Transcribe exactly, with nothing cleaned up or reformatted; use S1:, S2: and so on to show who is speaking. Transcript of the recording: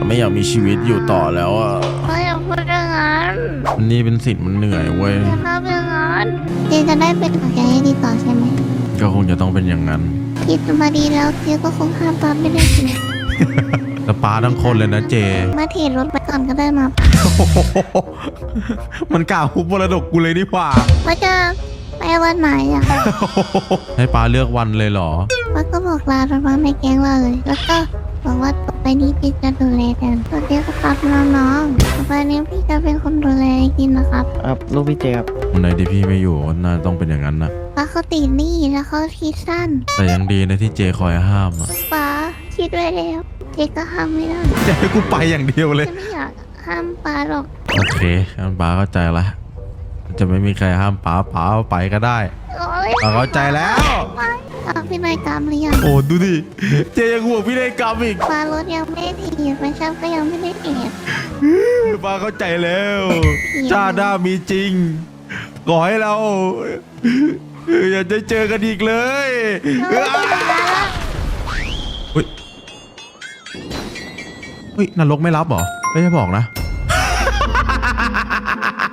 S1: ไม่อยากมีชีวิตอยู่ต่อแล้วอ่ะ
S2: ไม่อยากพูดอย่างนั้น
S1: นี่เป็นสิทธิ์มันเหนื่อยเว้ย
S2: อย่าทำอย่างนั้นเจจะได้เป็นกับแกให้ดีต่อใช่ไหม
S1: ก็คงจะต้องเป็นอย่างนั้น
S2: ผิดมาดีแล้วเจก็คงห้ามตามไม่ได้สิ
S1: แต่ป้าทั้งคนเลยนะเจ
S2: มาเทรดรถไปก่อนก็ได้มา
S1: มันกล่าวฮุบมรดกกูเลยนี่หว่า
S2: ว่าจะไปวันไหนอ่ะ
S1: ให้ป้าเลือกวันเลยเหรอ
S2: ว่าก็บอกลาตอนว่าไม่แกล้งเราเลย แล้วก็บอกว่าต่อไปนี้พี่จะดูแลแทนตัวเดียวก็ครับน้องๆต่อไปนี้พี่จะเป็นคนดูแลกินนะครับ
S3: ครับลูกพี่เจครับ
S1: วันไหนที่พี่ไม่อยู่น่าต้องเป็นอย่างนั้นนะ
S2: ป้าเขาติดหนี้แล้วเขาคิดสั้น
S1: แต่ยังดีนะที่เจคอยห้ามอ่ะ
S2: ป้าคิดไว้แล้วเจก็ห้ามไม่ได้
S1: จะให้กูไปอย่างเดียวเลย
S2: จะไม่อยากห้ามป้าหรอก
S1: โอเคงั้นป้าเข้าใจละจะไม่มีใครห้ามป้าป้าไปก็ได้
S2: โอ๊ย
S1: ป้าเข้าใจแล้ว
S2: ไม่ป้าพี่นายกรรมหรือยัง
S1: โอ้ดูดิ เจยังห่วงพี่ได้กรรมอีก
S2: ป้ารถยังไม่ได้ถีบไม่ช่างก็ยังไม่ได้เอ็ด
S1: ป้าเข้าใจแล้วชาติหน้ามีจริง ขอให้เรา อย่าจะเจอกันอีกเลยเฮ้ยเฮ้ยนรกไม่รับเหรอไม่จะบอกนะ